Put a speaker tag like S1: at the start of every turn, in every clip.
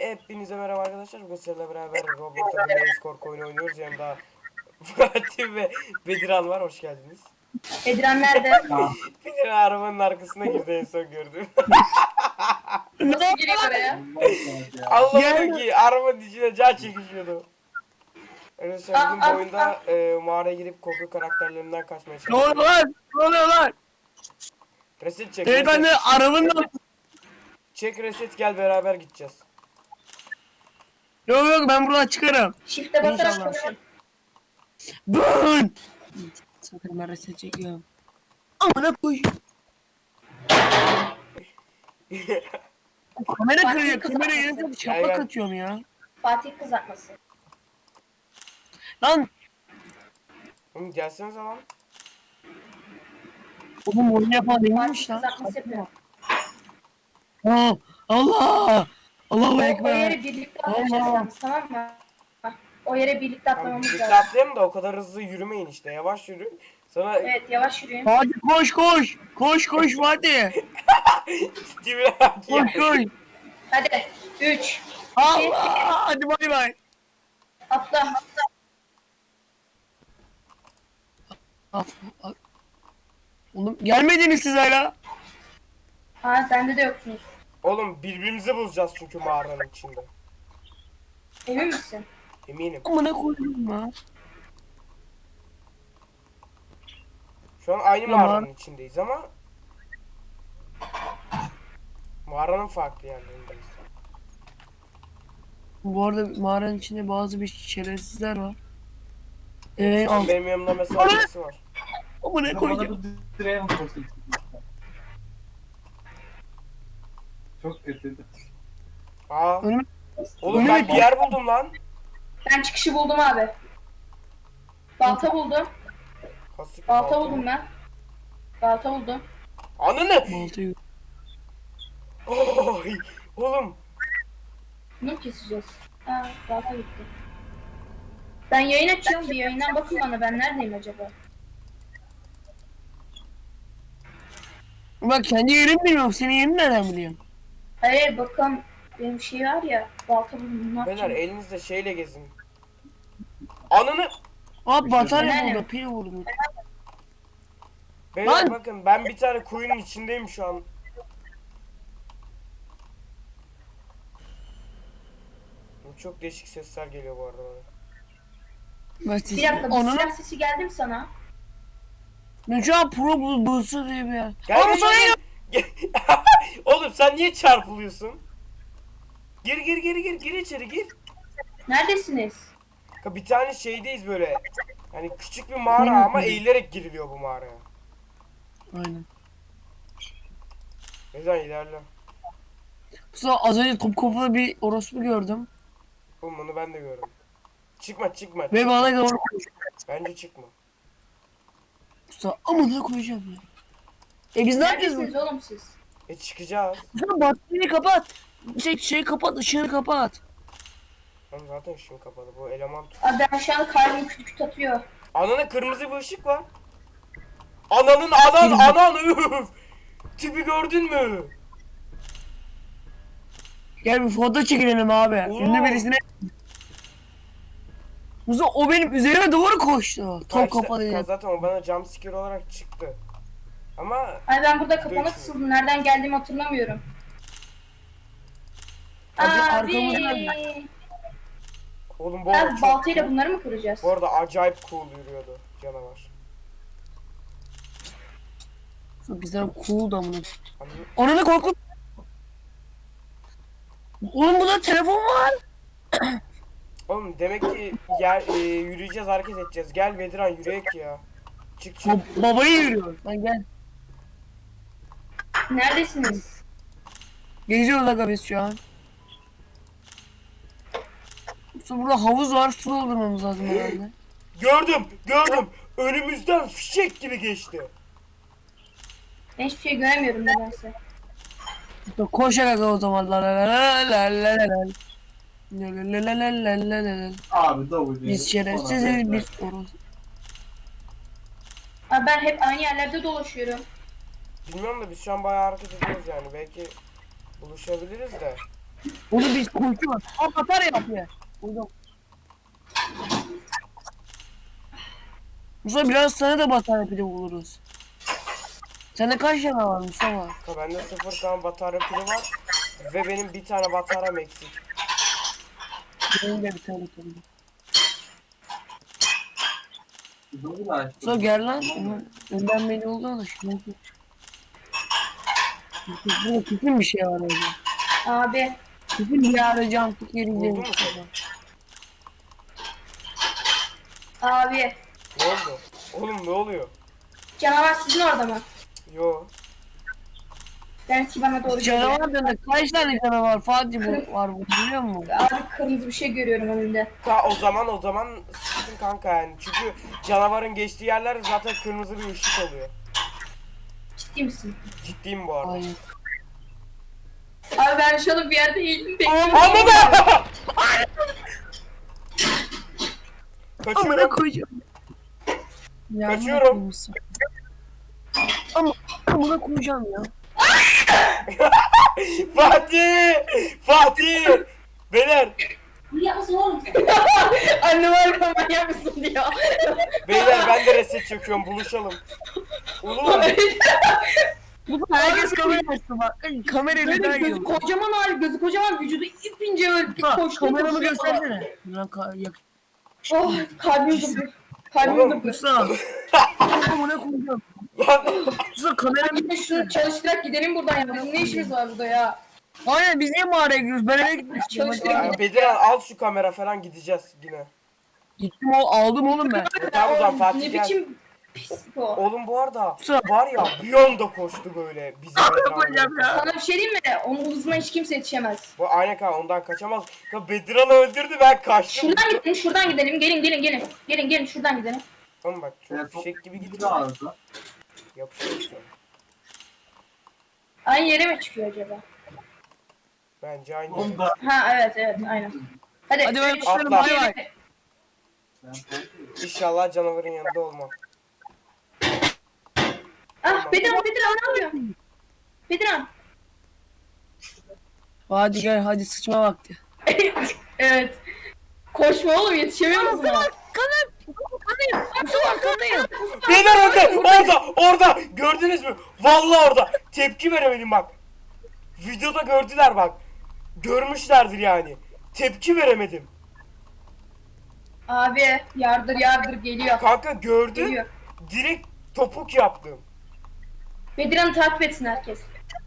S1: Hepinize merhaba arkadaşlar. Bugün sizlerle beraber Roblox'ta bir Maze korku oyunu oynuyoruz. Yanımda Fatih ve Bediran var. Hoş geldiniz.
S2: Bediran nerede?
S1: Bediran arabanın arkasına girdi en son gördüm.
S2: Nasıl giriyor oraya?
S1: Allah'ım ki arabanın içine can çekişiyordu. Arkadaşlar bugün bu
S2: Aa,
S1: oyunda mağaraya girip korku karakterlerinden kaçmaya
S3: Ne oluyor
S1: çalışıyoruz.
S3: lan? Ne oluyor lan?
S1: Reset çek.
S3: Evet ben de
S1: Reset.
S3: arabanın...
S1: Çek reset gel beraber gideceğiz.
S3: Yok yok ben buradan çıkarım.
S2: Shift'e basarak
S3: İnşallah.
S2: koşun.
S3: Bın! Sakın ben reset çekiyorum. Amına koy. Kamera kırıyor. Kamera yerine şaplak
S1: Gel.
S3: atıyorum ya.
S2: Fatih kızartması.
S3: Lan
S1: Oğlum gelsenize lan.
S3: oğlum oyun yapan
S2: Fatih
S3: değilmiş lan.
S2: kızartması yapıyor.
S3: Aa, Allah! Allahu
S2: O
S3: Ekber.
S2: yere birlikte atlayacağız yalnız, tamam mı? O yere birlikte
S1: Tamam,
S2: atlamamız
S1: birlikte
S2: lazım.
S1: atlayalım da o kadar hızlı yürümeyin işte. Yavaş yürü. Sonra
S2: Evet, yavaş yürüyün.
S3: Hadi koş koş. Koş koş Fatih.
S1: Steve'e bak ya.
S3: Koş koş.
S2: Hadi. 3.
S3: Allah! Hadi bay bay.
S2: Atla.
S3: Oğlum gelmediniz siz hala.
S2: Ha, bende de yoksunuz.
S1: Oğlum birbirimizi bulacağız çünkü mağaranın içinde.
S2: Emin misin?
S1: Eminim.
S3: Amına koydum ya.
S1: Şu an aynı
S3: Tamam.
S1: mağaranın içindeyiz ama mağaranın farklı yerlerindeyiz.
S3: Bu arada mağaranın içinde bazı bir şerefsizler var.
S1: Şu an benim yanımda mesela birisi var.
S3: Amına koyacağım.
S4: Çok kötüydü.
S1: Aa.
S3: Önüme-
S1: Oğlum
S3: önüme
S1: ben bir yer buldum lan.
S2: Ben çıkışı buldum abi. Balta buldum.
S1: Hasik
S2: Balta buldum ben. Balta buldum.
S1: Ananı.
S3: Baltayı.
S1: Oy. Oğlum.
S2: Bunu mu keseceğiz? Ha, balta gitti. Ben yayın açıyorum. Bir yayından bakın bana. Ben neredeyim acaba?
S3: Bak kendi yerimi bilmiyorum. Senin yerini nereden biliyorum?
S2: Hayır, bakın. Benim şey var ya. Balta buldum. Ne
S1: Beyler
S2: yapacağım?
S1: elinizde şeyle gezin. Ananı.
S3: Abi batarya
S2: Nerede?
S3: burada. Pil vurdum.
S1: Beyler
S3: Lan.
S1: bakın ben bir tane kuyunun içindeyim şu an. Çok değişik sesler geliyor bu arada bana.
S3: Ben
S2: Bir dakika, bir
S3: Onun...
S2: silah sesi geldi mi sana?
S3: Ben şu an pro bulsu diye bir yer.
S1: Gel
S3: Ama
S1: gel
S3: sonra
S1: gel. Gel. Oğlum sen niye çarpılıyorsun? Gir gir gir gir gir içeri gir.
S2: Neredesiniz?
S1: Bir tane şeydeyiz böyle. Hani küçük bir mağara ama eğilerek giriliyor bu mağaraya.
S3: Aynen.
S1: Neden ilerle?
S3: Sonra az önce top kafalı bir orospu gördüm.
S1: Oğlum bunu ben de gördüm. Çıkma çıkma.
S3: Ve
S1: çıkma.
S3: bana doğru koştu.
S1: Bence çıkma.
S3: Sonra amına koyacağım ya. Biz ne yapacağız?
S2: Neredesiniz oğlum siz?
S1: Çıkacağız.
S3: Sonra bataryayı kapat. Şey kapat, ışığını kapat.
S1: Oğlum zaten ışığım kapalı. Bu eleman tut.
S2: Abi ben şu anda kalbim küt küt atıyor.
S1: Ananın kırmızı bir ışık var. Anan üf. Tipi gördün mü?
S3: Gel bir foto çekinelim abi.
S1: Oo.
S3: Ünlü birisine. Muzo o benim üzerime doğru koştu.
S1: Ha
S3: Top
S1: işte,
S3: kapalı.
S1: zaten o bana jumpscare olarak çıktı. Ama
S2: Ay ben burada kafama
S1: Dövüşmüyor.
S2: kısıldım. Nereden geldiğimi hatırlamıyorum.
S3: Abi,
S2: Abi.
S3: arkamızda-
S1: oğlum bu arada
S2: Abi
S1: çok
S2: baltayla
S1: cool.
S2: bunları mı kıracağız?
S1: Bu arada acayip cool yürüyordu canavar.
S3: Çok güzel cool da bunu.
S1: Anladın?
S3: Onu da korkut. Oğlum burada telefon var.
S1: Oğlum demek ki yürüyeceğiz, hareket edeceğiz. Gel Bediran yürüyek ya. Çık çık.
S3: Babayı yürüyor. Sen gel.
S2: Neredesiniz?
S3: Geziyoruz aga biz şu an. Sonra burada havuz var. Su doldurmamız lazım herhalde.
S1: Gördüm. Önümüzden fişek gibi geçti.
S2: Ben hiçbir şey göremiyorum nedense.
S3: Koş aga o zaman. La la la la la la la la. La la la la la la la la.
S4: Abi davul.
S3: Biz şerefsiziz biz orası.
S2: Abi ben hep aynı yerlerde dolaşıyorum.
S1: Bilmiyorum da biz şu an bayağı hareket ediyoruz yani. Belki buluşabiliriz de.
S3: Onu biz koşuyoruz. Aa batarya yapıyor. Buldum. Mustafa biraz sana da batarya pili buluruz. Sende kaç tane var Mustafa?
S1: Ha, bende 0 tane batarya pili var. Ve benim bir tane bataryam eksik.
S3: Benim de bir tane kaldı.
S4: Bunu da açtım.
S3: Mustafa gel lan. Önden beni oldu ama şimdi. Burada kesin bir şey var orada.
S2: Abi.
S3: Kesin bir arayacağım. Fikir
S1: Buldun
S3: izleyelim
S1: mu sen?
S2: Abi.
S1: Ne oldu? Oğlum ne oluyor?
S2: Canavar sizin orada mı?
S1: Yo.
S2: Belki bana doğru geliyor.
S3: Canavar dönek. Kaç tane canavar Fatih bu var bu biliyor musun?
S2: Abi kırmızı bir şey görüyorum önümde.
S1: O zaman sıkıntı kanka yani. Çünkü canavarın geçtiği yerler zaten kırmızı bir ışık oluyor.
S2: Ciddi misin?
S1: Ciddiyim bu arada.
S3: Hayır.
S2: Abi ben şu an bir yerde eğildim bekliyorum.
S1: Anladım.
S3: Amına
S1: Kaçıyorum.
S3: koyacağım. Ya,
S1: Kaçıyorum.
S3: amına koyayım. Ama amına koyacağım ya.
S1: Fatih! Fatih! Beyler!
S2: Annem arka manyak mısın diyor.
S1: Beyler ben de reset çekiyorum. Buluşalım. Oğlum.
S3: Bu herkes kamera açtı bak. Kamerayı
S2: Böyle
S3: neden
S2: gözü
S3: yiyor?
S2: kocaman hali, gözü kocaman, vücudu ipince böyle koştu.
S3: Kameramı göstersene. Lan yak.
S2: Oh kalbim durdu. Kalbim
S1: Oğlum,
S2: durdu.
S3: Musa. Amına koyacağım.
S1: Lan.
S3: Musa kameramı
S2: Gidin şunu çalıştırarak gidelim buradan ya. Bizim ne işimiz var burada ya?
S3: Aynen biz niye mağaraya gidiyoruz? Ben eve gitmek istiyorum. Hadi.
S2: Çalıştırarak
S1: Ya Bediran al şu kamera falan gideceğiz yine.
S3: Gittim aldım oğlum ben.
S1: Tamam o zaman
S2: Ne
S1: Fatih gel.
S2: biçim pis bu.
S1: Oğlum bu arada
S3: Kusura-
S1: var ya bir anda koştu böyle bizim
S3: koyacağım
S1: Bediran'la.
S3: ya.
S2: Sana bir şey diyeyim mi? Onun hızına hiç kimse yetişemez.
S1: Bu aynen kanka ondan kaçamaz. Ya Bediran'ı öldürdü ben kaçtım.
S2: Şuradan gidelim. Gelin. Gelin şuradan gidelim.
S1: Oğlum bak çok
S4: Telefon-
S1: fişek gibi
S4: Bir
S1: gidiyor.
S4: daha arada.
S1: Yapışıyor işte.
S2: Aynı yere mi çıkıyor acaba?
S1: Bence aynı.
S4: Onu da
S2: Ha evet aynen. Hadi
S3: Hadi ben
S2: üç,
S3: başlarım,
S1: Atla.
S3: bay bay.
S4: sen korkuyorsun.
S1: İnşallah canavarın yanında olmam.
S2: Ah Bediran ne yapıyor? Bediran.
S3: Hadi gel hadi sıçma vakti.
S2: Evet. Koşma oğlum yetişemiyor musun?
S3: Kanayım. Musa arkandayım.
S1: Beyler orada gördünüz mü? Vallahi orada tepki veremedim bak. Videoda gördüler bak. Görmüşlerdir yani. Tepki veremedim.
S2: Abi yardır geliyor.
S1: Kanka gördüm.
S2: Geliyor.
S1: Direkt topuk yaptım.
S2: Bediran'ı takip etsin herkes.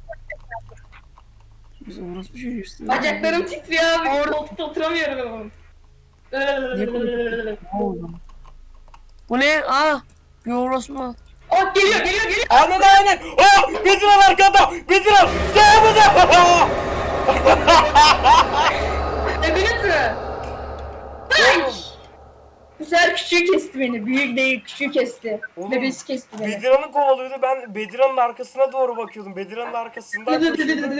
S3: Biz orospu çocuğuz.
S2: Bacaklarım titriyor abi. Koltukta oturamıyorum.
S3: Ne oldu? Bu ne? Aa. Bir orospu.
S2: Oh geliyor.
S1: Aynen. Oh! Bediran arkada! Bediran! Sağımıza!
S2: Öbürüz mü? Bu sefer küçüğü kesti beni. Büyük değil küçüğü kesti.
S1: Oğlum,
S2: Bebesi kesti beni.
S1: Bediran'ı kovalıyordu. Ben Bediran'ın arkasına doğru bakıyordum. Bediran'ın arkasından koşuyordum.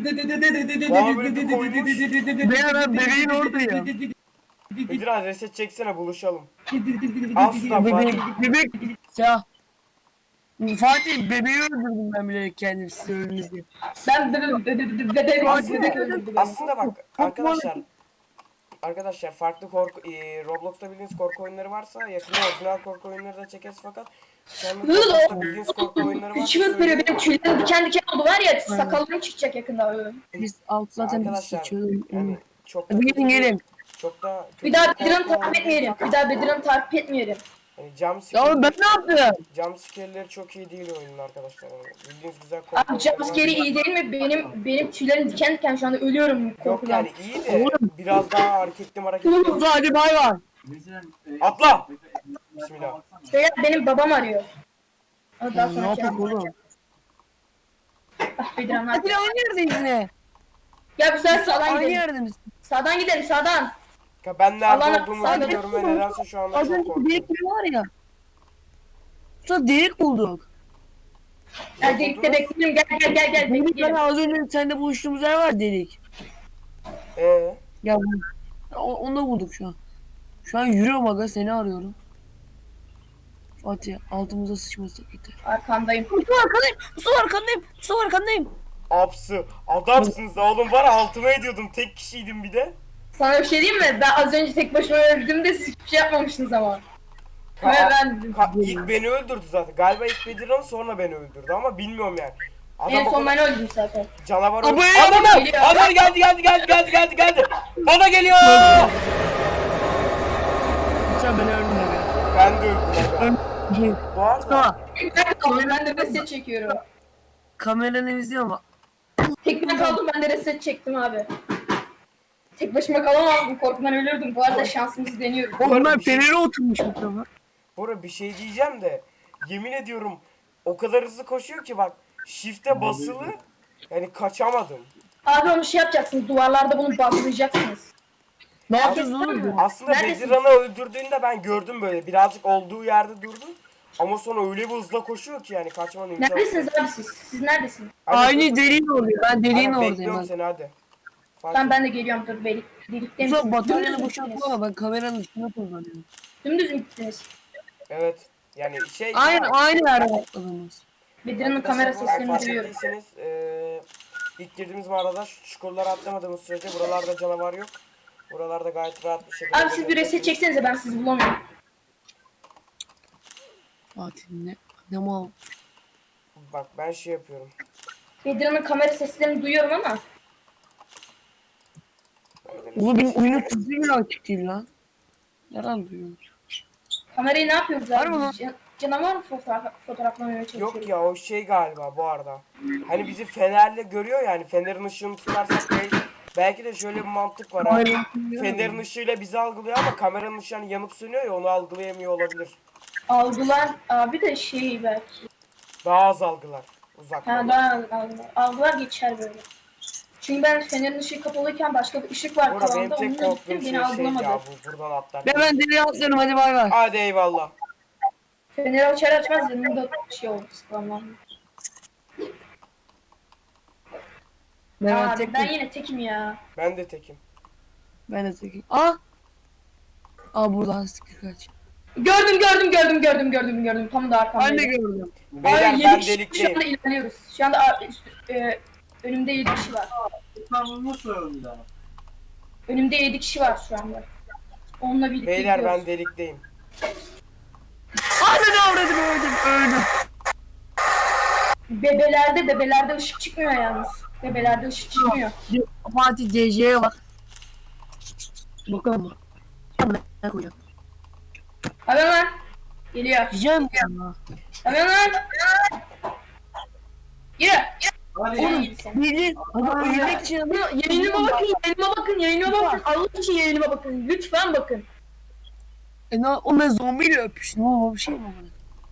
S3: Ben adam bebeğin oradayım.
S1: Bediran reset çeksene buluşalım. Al şuradan
S3: Bebek.
S1: Fatih.
S3: Bebek. Ya. Fatih bebeği öldürdüm ben bilerek kendim size öldürdüm diye.
S2: Ben bebek
S1: Aslında bak arkadaşlar farklı korku Roblox'ta bildiğiniz korku oyunları varsa yakında orijinal korku oyunları da çekeriz fakat şu anda Roblox'ta bildiğiniz korku oyunları varsa
S2: İçime ürperiyor
S1: söyleyeyim.
S2: benim tüylerim diken oldu var ya sakallarım çıkacak yakında.
S3: Biz alt zaten biz
S1: Arkadaşlar
S3: sıçıyoruz.
S1: yani çok da
S3: Hadi gelin.
S1: çok da
S2: Bir daha
S1: kötü
S2: Bedirhan'ı
S1: korku
S2: takip etmeyelim.
S1: fakat
S2: Bir daha Bedirhan'ı takip etmeyelim.
S1: hani
S3: Ya oğlum ben ne yaptım?
S1: jumpscare'leri çok iyi değil oyunun arkadaşlar. Yani bildiğiniz güzel korku
S2: Abi
S1: oyunları
S2: jumpscare'i
S1: var.
S2: iyi değil mi? Benim tüylerim diken şu anda ölüyorum
S1: Yok
S2: korkudan.
S1: yani iyi de biraz daha hareketli.
S3: Oğlum hadi bay bay.
S1: Atla! Bismillah.
S2: Beyler benim babam arıyor. Daha
S3: Ne
S2: sonra
S3: yapayım oğlum?
S2: Ah Bedirhan
S3: Hadi
S2: hadi.
S3: aynı yerdeyiz yine.
S2: Ya bu sefer sağdan
S3: Aynı
S2: gidelim.
S3: yerde misin?
S2: Sağdan gidelim sağdan.
S1: Ya ben nerede
S2: Allah'ım,
S1: olduğumu
S2: sadece-
S1: bilmiyorum ve nedense şu anda
S3: Az
S1: çok
S3: önce
S1: korkuyorum.
S3: delik biri var ya. Sonra delik bulduk.
S2: Ya delikte bekleyelim gel
S3: Delik
S2: bekleyelim.
S3: var az önce seninle buluştuğumuz yer var delik. Ya onu da bulduk şu an. Şu an yürüyorum aga seni arıyorum. Fatih altımıza sıçması yeter.
S2: Arkandayım.
S3: Mustafa arkandayım. Mustafa arkandayım. Mustafa arkandayım.
S1: Apsı. Adamsınız da oğlum, var ya, altıma ediyordum. Tek kişiydim bir de.
S2: Sana bir şey diyeyim mi? Ben az önce tek başıma öldüğümde siz hiçbir şey yapmamıştınız ama. Ve ben
S1: İlk beni öldürdü zaten. Galiba ilk Bedirhan, sonra beni öldürdü ama bilmiyorum yani.
S2: en
S1: o
S2: son
S1: kadar
S2: ben öldüm zaten.
S1: canavar
S3: Ama
S1: öldü.
S3: ya,
S1: Adamlar!
S2: geliyor.
S1: Adamlar geldi. Bana geliyor!
S3: Sen beni öldün abi.
S1: Ben de öldüm.
S3: Öldüm.
S1: Bu arada
S3: Tamam.
S2: Ben kaldım, ben de reset çekiyorum.
S3: Kameranı izliyor ama.
S2: Tek ben kaldım, ben de reset çektim abi. Tek başıma kalamazdım, korkudan ölürdüm. Bu arada şansımızı deniyoruz.
S3: Onlar
S1: bir şey-
S3: fenere oturmuş bu tarafa.
S1: Bora, bir şey diyeceğim de, yemin ediyorum o kadar hızlı koşuyor ki bak, shift'e basılı, yani kaçamadım.
S2: Abi onu şey yapacaksınız, duvarlarda bunu bantlayacaksınız.
S3: Ne
S2: Herkes
S3: yapıyorsun oğlum?
S2: tanıyor.
S1: Aslında
S2: Neredesiniz?
S1: Bedirhan'ı öldürdüğünde ben gördüm, böyle birazcık olduğu yerde durdu. Ama sonra öyle bir hızla koşuyor ki yani kaçmanın imkanı yok.
S2: Neredesiniz abi siz? Siz neredesiniz?
S1: Hadi
S3: Aynı
S1: dur.
S3: deliğin oluyor. Ben deliğin
S1: Hadi
S3: oradayım.
S1: bekliyorum
S3: Ben.
S1: seni, hadi.
S2: Ben de geliyorum, dur delikte misiniz?
S3: Ulan bataryanı
S2: Dümdüz mü
S3: boşaltma
S2: gittiniz?
S3: ama ben kameranın üstüne kullanıyorum.
S2: Dümdüz mü gittiniz?
S1: Evet. Yani şey...
S3: Aynı yerde atladınız.
S2: Bedirhan'ın kamera seslerini
S1: fark
S2: duyuyorum.
S1: ettiyseniz, ilk girdiğimiz mağarada şu çukurları atlamadığımız sürece buralarda canavar yok. Buralarda gayet rahat bir şekilde...
S2: Abi siz bir reset çeksenize, ben sizi bulamıyorum.
S3: Fatih ne mal.
S1: Bak ben şey yapıyorum.
S2: Bedirhan'ın kamera seslerini duyuyorum ama.
S3: Bu benim oyunun sesi bile açık değil lan. Nereden duyuyorum?
S2: Kamerayı ne yapıyoruz
S3: Var mı
S2: abi?
S3: lan?
S2: Canavar mı fotoğraflamaya çalışıyoruz?
S1: Yok ya, o şey galiba bu arada. Hani bizi fenerle görüyor, yani fenerin ışığını tutarsak belki de şöyle bir mantık var ha. Fenerin ışığıyla bizi algılıyor ama kameranın ışığı hani yanıp sönüyor ya, onu algılayamıyor olabilir.
S2: Algılar abi de şey belki.
S1: Daha az algılar.
S2: Ha
S1: Uzaktan.
S2: daha algılar. Algılar geçer böyle. Çünkü ben fenerin ışığı kapalıyken başka bir ışık var
S1: Burada benim
S2: tavanda,
S1: tek
S2: onunla
S1: korktuğum
S2: gittim,
S1: şey
S2: beni
S1: şey
S2: algılamadı.
S1: ya, bu buradan atlarken.
S3: Ve ben deliğe atlıyorum, hadi bay bay.
S1: Hadi eyvallah.
S2: Feneri açar açmaz yanımda şey oldu spamlandı.
S3: Ben
S2: Abi
S3: tek
S2: ben yine tekim ya.
S1: Ben de tekim.
S3: Ben de tekim. Aa buradan sıkı kaç.
S2: Gördüm. Tam da arkamda.
S3: Ben de gördüm.
S1: Beyler
S2: Abi,
S1: ben
S2: 7 kişi şu
S1: delikteyim.
S2: anda ilerliyoruz. Şu anda önümde 7 kişi var.
S4: Tamam nasıl öldü?
S2: Önümde 7 kişi var şu anda. Onunla birlikte
S1: Beyler
S2: gidiyoruz.
S1: ben delikteyim.
S3: Anne avradım, öldüm.
S2: Bebelerde ışık çıkmıyor yalnız. Bebelerde ışık çıkmıyor.
S3: Fatih DC'ye bak. Bakalım mı? Ne koyacağım?
S2: Hemen lan. Geliyor.
S3: Diyeceğim ya.
S2: Hemen lan. Yürü.
S4: Hadi
S2: Oğlum
S4: ya.
S2: git sen.
S3: Bildiğin adam ölmek için adam.
S2: Yayınıma bakın. Allah için yayınıma bakın. Lütfen bakın.
S3: O ben zombiyle öpüştüm ama bir şey mi oldu?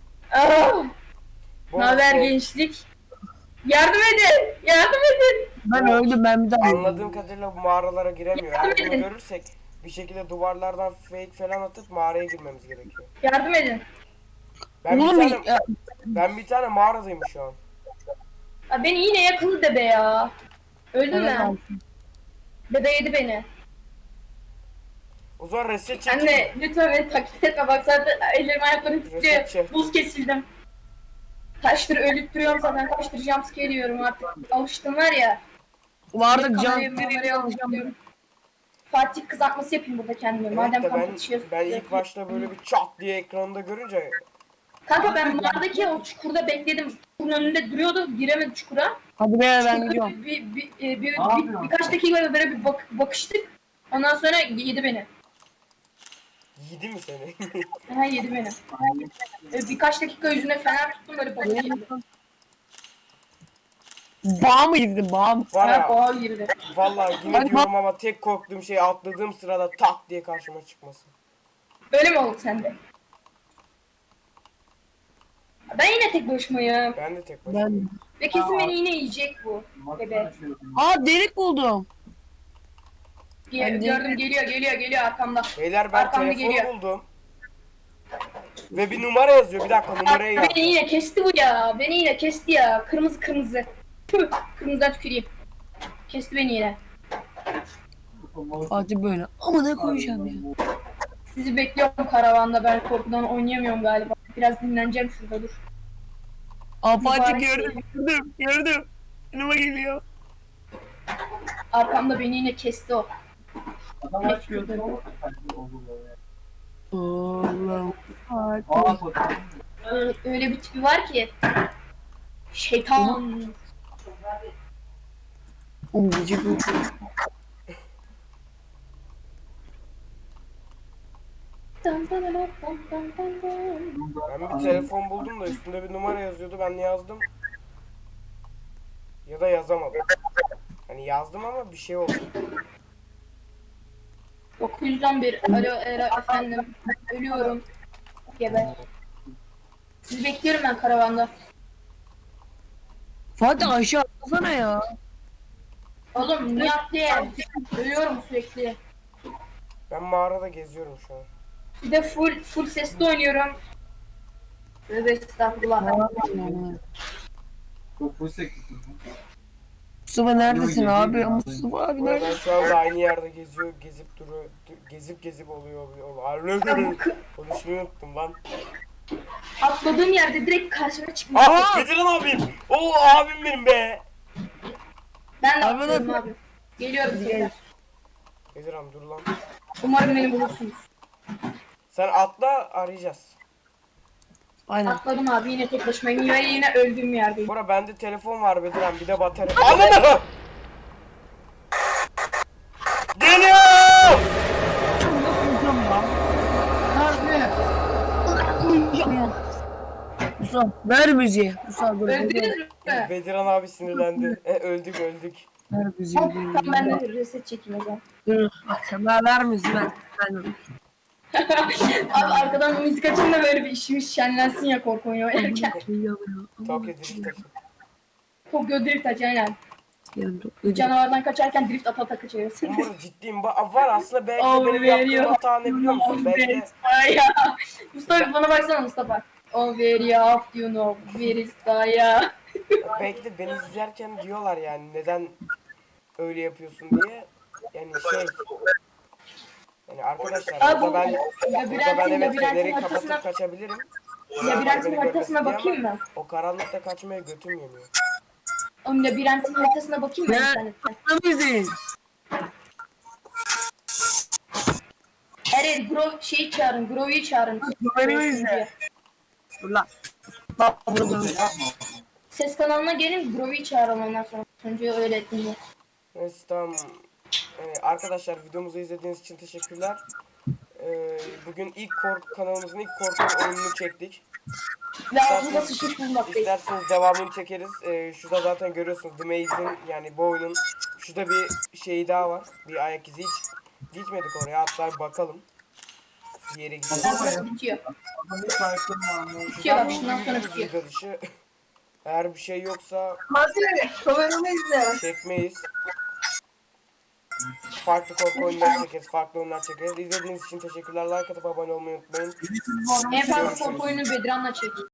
S1: Bu
S2: Ne haber
S1: şey,
S2: gençlik? Yardım edin.
S3: Ben öldüm, ben bir daha
S1: anladığım kadarıyla bu mağaralara giremiyor. Eğer bunu
S2: edin.
S1: görürsek bir şekilde duvarlardan fake falan atıp mağaraya girmemiz gerekiyor.
S2: Yardım edin.
S1: Ben
S3: Oğlum
S1: bir tane, ben bir tane mağaradayım şu an.
S2: Ya beni yine yakaladı debe ya. Öldüm ben. Debe yedi beni.
S1: O zaman reset çekeyim.
S2: Anne lütfen beni taklit etme. Bak zaten ellerim ayaklarım
S1: Reset
S2: titriyor.
S1: çek.
S2: Buz kesildim. Kaçtır ölüp duruyorum zaten. Kaçtır jumpscare yiyorum artık. Alıştım var ya.
S3: Vardık
S2: Kameraya alıştım. Fatih kızartması yapayım burada kendime.
S1: Evet
S2: Madem
S1: de
S2: kapatışıyoruz.
S1: ben ilk başta böyle bir çat diye ekranında görünce
S2: Kanka ben mağaradaki o çukurda bekledim. Çukurun önünde duruyordu. Giremedi çukura.
S3: Hadi be ben gidiyorum.
S2: Birkaç dakika böyle bir bakıştık. Ondan sonra yedi beni.
S1: yedi mi seni?
S2: Ha yedi beni. Birkaç dakika yüzüne fener tuttum böyle bakayım.
S3: Bağ mı girdin, bağ mı?
S1: Var
S2: Ha
S1: ya,
S2: boğa girdi.
S1: vallahi yine
S3: Hadi
S1: diyorum ama tek korktuğum şey atladığım sırada tak diye karşıma çıkması.
S2: Öyle mi oldu sende? Ben yine tek başımayım.
S1: Ben de tek başıma.
S3: Ben...
S2: Ve kesin beni yine yiyecek bu. Bebe.
S3: Delik buldum. Ben de-
S2: Gördüm geliyor arkamda.
S1: Beyler ben
S2: Arkamda
S1: telefonu
S2: geliyor.
S1: buldum. Ve bir numara yazıyor. Bir dakika, numarayı yaz.
S2: Beni yine kesti bu ya. Beni yine kesti ya. Kırmızı. Tüh, kırmızıdan tüküreyim. Kesti beni yine.
S3: Fatih böyle. Ama ne koyacağım ya?
S2: Sizi bekliyorum karavanda. Ben korkudan oynayamıyorum galiba. Biraz dinleneceğim şurada dur.
S3: Fatih
S2: Mübarek
S3: gördüm. Yanıma geliyor.
S2: Arkamda beni yine kesti o.
S4: Adam aç gözünü olur. Olur böyle.
S3: Allah'ım.
S4: Aa fotoğraf.
S2: Öyle bir tipi var ki. Şeytan.
S3: Oğlum gıcık mı?
S2: Dan dan dan dan dan dan dan.
S1: Ben bir telefon buldum da üstünde bir numara yazıyordu. Ben yazdım. Ya da yazamadım. Hani yazdım ama bir şey oldu.
S2: 911. Alo efendim. Ölüyorum. Geber. Sizi bekliyorum ben karavanda.
S3: Fatih aşağı atlasana ya.
S2: Oğlum niye atlayayım? Ölüyorum sürekli.
S1: Ben mağarada geziyorum şu an.
S2: Bir de full sesli oynuyorum. Tövbe estağfurullah.
S4: Çok full seksin.
S3: Mustafa neredesin abi? Mustafa abi
S1: Bu arada ben
S3: neredesin?
S1: şu anda aynı yerde geziyor, gezip duruyor, gezip oluyor. Konuşmayı unuttum lan.
S2: Atladığım yerde direkt karşıma çıkmış.
S1: Ah, Bedirhan abim. Oo abim benim be.
S2: Ben de
S3: Abi,
S2: atlıyorum
S3: abi.
S2: abi. Geliyorum tekrar.
S1: Bedirhan dur lan.
S2: Umarım beni bulursunuz.
S1: Sen atla arayacağız.
S3: Aynen.
S2: Atladım abi yine tek başımayım ve yine öldüğüm yerdeyim.
S1: Bora bende telefon var Bedirhan, bir de batarya. Anladın. Geliyor.
S3: Mustafa ver müziği. Mustafa dur.
S2: Öldünüz mü?
S1: Bedirhan abi sinirlendi. Öldük.
S3: Ver müziği.
S2: Tamam ben de reset çekeyim o zaman.
S3: Dur. Ver müziği ver. Ben
S2: Abi arkadan müzik açın da böyle bir işimiz şenlensin ya korku oyunu oynarken.
S1: Tokyo Drift açın.
S2: Tokyo Drift aç aynen.
S3: Yarın toplayacağım.
S2: Canavardan kaçarken drift ata kaçıyorsun.
S1: Burada ciddiyim. Var aslında belki de
S2: Oh,
S1: benim
S2: veriyor.
S1: yaptığım hata ne biliyor musun? Belki de
S2: Ay ya. Mustafa bana baksana Mustafa. Oh very off you know. Very ya.
S1: belki de beni izlerken diyorlar yani neden öyle yapıyorsun diye. Yani yani arkadaşlar
S2: Abi
S1: burada ben
S2: labirentin
S1: evet feneri
S2: haritasına
S1: kapatıp kaçabilirim.
S2: labirentin
S1: Beni
S2: haritasına
S1: görmesin diye
S2: bakayım mı?
S1: ama o karanlıkta kaçmaya götüm yemiyor.
S2: Oğlum labirentin haritasına bakayım mı
S3: Ne?
S2: internetten?
S3: Müziği.
S2: Her şeyi çağırın, Grove'yi çağırın.
S3: Beni izle. Dur lan. Bak burada.
S2: Ses kanalına gelin, Grove'yi çağırın ondan sonra. Önce öyle ettim.
S1: Neyse tamam. Arkadaşlar videomuzu izlediğiniz için teşekkürler. Bugün kanalımızın ilk korku oyununu çektik.
S2: Ve ağzımda sıçmış bulmaktayız.
S1: İsterseniz devamını çekeriz. Şurada zaten görüyorsunuz The Maze'in yani bu oyunun şurada bir şey daha var. Bir ayak izi hiç gitmedik oraya, hatta bakalım. Bir yere gidelim.
S2: Burası bitiyor.
S4: Adamın şarkım var.
S2: Bitiyor bak şundan sonra bitiyor.
S1: Video dışı. Eğer bir şey yoksa
S3: Hadi kameramı izle.
S1: çekmeyiz. Farklı korku oyunları çekeriz, farklı oyunlar çekeriz. İzlediğiniz için teşekkürler. Like atıp abone olmayı unutmayın.
S2: En fazla korku oyunu Bedran'la çek.